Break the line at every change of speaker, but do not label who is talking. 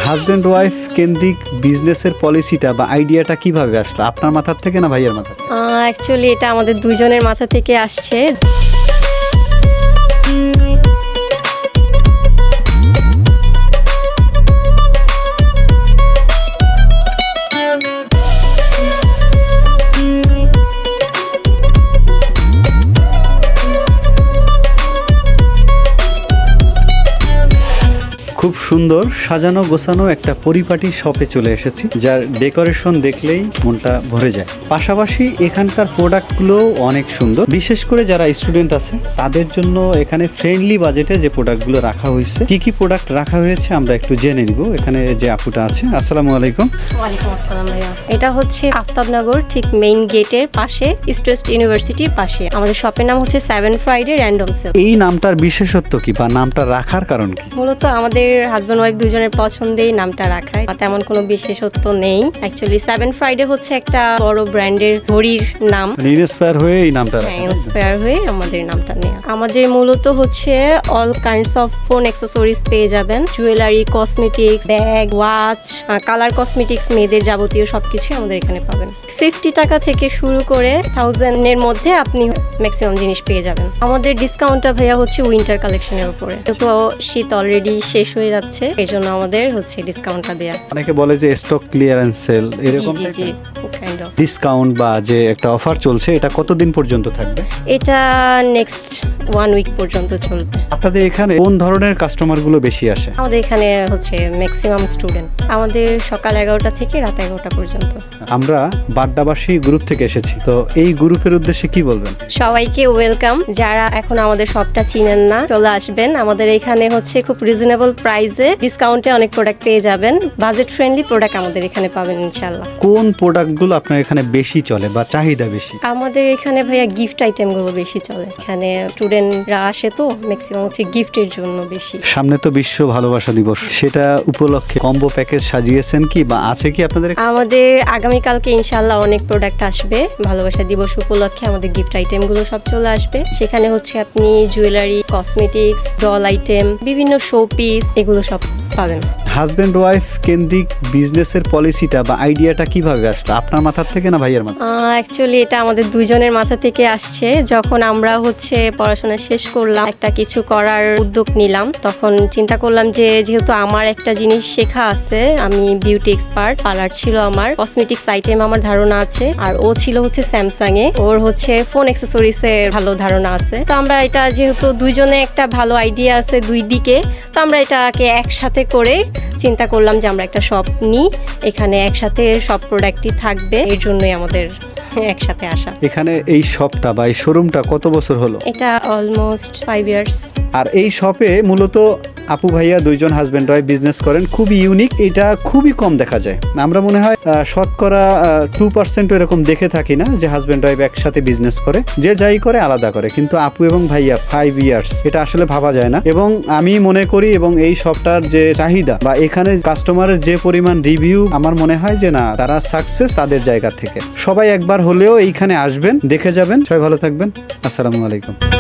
Husband wife কেন্দ্রিক বিজনেসের পলিসিটা বা আইডিয়াটা কিভাবে আসলো, আপনার মাথার থেকে না ভাইয়ের মাথা থেকে?
অ্যাকচুয়ালি এটা আমাদের দুইজনের মাথা থেকে আসছে।
খুব সুন্দর সাজানো গোছানো একটা পরিপাটি শপে চলে এসেছি, যার ডেকোরেশন দেখলেই মনটা ভরে যায়। পাশাপাশি এখানকার প্রোডাক্টগুলো অনেক সুন্দর, বিশেষ করে যারা স্টুডেন্ট আছে তাদের জন্য এখানে ফ্রেন্ডলি বাজেটে যে প্রোডাক্টগুলো রাখা হয়েছে। কি কি প্রোডাক্ট রাখা হয়েছে আমরা একটু জেনে নিব। এখানে যে আপুটা আছে, আসসালামু আলাইকুম।
ওয়ালাইকুম আসসালাম ভাইয়া। এটা হচ্ছে আফতাবনগর ঠিক মেইন গেটের পাশে, ইস্ট ওয়েস্ট ইউনিভার্সিটির পাশে। আমাদের শপের নাম হচ্ছে 7 ফ্রাইডে র্যান্ডম সেল।
এই নামটার বিশেষত্ব কি বা নামটা রাখার কারণ কি?
মূলত আমাদের হাজব্যান্ড ওয়াইফ দুজনের পছন্দেই নামটা রাখা, তেমন কোনো বিশেষত্ব নেই। অ্যাকচুয়ালি 7 ফ্রাইডে হচ্ছে একটা বড় ব্র্যান্ডের ঘড়ির নাম,
ইন্সপায়ার হয়ে এই নামটা রাখা।
ইন্সপায়ার হয়ে আমাদের নামটা নেওয়া। আমাদের মূলত হচ্ছে all kinds of phone accessories পেয়ে যাবেন, jewellery, cosmetics, bag, watch, colour cosmetics, মেয়েদের যাবতীয় সবকিছু আমাদের এখানে পাবেন। 50 টাকা থেকে শুরু করে 1000 এর মধ্যে আপনি ম্যাক্সিমাম জিনিস পেয়ে যাবেন। আমাদের ডিসকাউন্টটা ভাইয়া হচ্ছে উইন্টার কালেকশনের উপরে, তো শীত অলরেডি শেষ হয়ে যাচ্ছে, এর জন্য আমাদের হচ্ছে ডিসকাউন্টটা দেয়া।
অনেকে বলে যে স্টক ক্লিয়ারেন্স সেল, এরকম
জি কাইন্ড অফ
ডিসকাউন্ট বা যে একটা অফার চলছে, এটা কতদিন পর্যন্ত থাকবে?
এটা নেক্সট 1 উইক পর্যন্ত চলবে।
আপনাদের এখানে কোন ধরনের কাস্টমার গুলো বেশি আসে?
আমাদের এখানে হচ্ছে ম্যাক্সিমাম স্টুডেন্ট, আমাদের সকাল 11টা থেকে রাত 11টা পর্যন্ত।
আমরা বাড্ডাবাসী গ্রুপ থেকে এসেছি, তো এই গ্রুপের উদ্দেশ্যে কি বলবেন?
সবাইকে ওয়েলকাম। যারা এখন আমাদের শপটা চিনেন না, চলে আসবেন। আমাদের এখানে হচ্ছে খুব রিজনেবল প্রাইসে ডিসকাউন্টে অনেক প্রোডাক্ট পেয়ে যাবেন। বাজেট ফ্রেন্ডলি প্রোডাক্ট আমাদের এখানে পাবেন ইনশাআল্লাহ।
কোন প্রোডাক্টগুলো আপনার এখানে বেশি চলে বা চাহিদা বেশি?
আমাদের এখানে ভাইয়া গিফট আইটেমগুলো বেশি চলে। এখানে স্টুডেন্টরা আসে, তো ম্যাক্সিমাম হচ্ছে গিফটের জন্য বেশি।
সামনে তো বিশ্ব ভালোবাসা দিবস, সেটা উপলক্ষে কম্বো প্যাকেজ সাজিয়েছেন কি বা আছে কি আপনাদের?
আমাদের আগামীকালকে ইনশাআল্লাহ অনেক প্রোডাক্ট আসবে। ভালোবাসা দিবস উপলক্ষে আমাদের গিফট আইটেমগুলো সব চলে আসবে। সেখানে হচ্ছে আপনি জুয়েলারি, কসমেটিক্স, ডল আইটেম, বিভিন্ন শো পিস, এগুলো সব পাবেন।
হাজব্যান্ড ওয়াইফ কেন্দ্রিক বিজনেসের পলিসিটা বা আইডিয়াটা কিভাবে আসলো, আপনার মাথার থেকে না ভাইয়ের মাথা?
অ্যাকচুয়ালি এটা আমাদের দুইজনের মাথা থেকে আসছে। যখন আমরা হচ্ছে পড়াশোনা শেষ করলাম, একটা কিছু করার উদ্যোগ নিলাম, তখন চিন্তা করলাম যে যেহেতু আমার একটা জিনিস শেখা আছে, আমি বিউটি এক্সপার্ট, পার্লার ছিল আমার, কসমেটিক্স আইটেম আমার ধারণা আছে, আর ও ছিল হচ্ছে স্যামসাং এ, ওর হচ্ছে ফোন অ্যাক্সেসরিজ এ ভালো ধারণা আছে। তো আমরা এটা যেহেতু দুইজনে একটা ভালো আইডিয়া আছে দুই দিকে, তো আমরা এটাকে একসাথে করে চিন্তা করলাম যে আমরা একটা শপ নিই, এখানে একসাথে সব প্রোডাক্টই থাকবে, এর জন্যই আমাদের একসাথে আসা।
এখানে এই শপটা বা এই শোরুমটা কত বছর হলো?
এটা অলমোস্ট 5 ইয়ার্স।
আর এই শপে মূলত আপু ভাইয়া দুইজন হাজব্যান্ড ওয়াইফ বিজনেস করেন, খুবই ইউনিক, এটা খুবই কম দেখা যায়। আমরা মনে হয় শতকরা 2% এরকম দেখে থাকি না যে হাজব্যান্ড ওয়াইফ একসাথে বিজনেস করে, যে যাই করে আলাদা করে, কিন্তু আপু এবং ভাইয়া 5 ইয়ার্স, এটা আসলে ভাবা যায় না। এবং আমি মনে করি, এবং এই শপটার যে চাহিদা বা এখানে কাস্টমারের যে পরিমাণ রিভিউ, আমার মনে হয় যে না, তারা সাকসেস তাদের জায়গা থেকে। সবাই একবার হলেও এইখানে আসবেন, দেখে যাবেন। সবাই ভালো থাকবেন, আসসালামু আলাইকুম।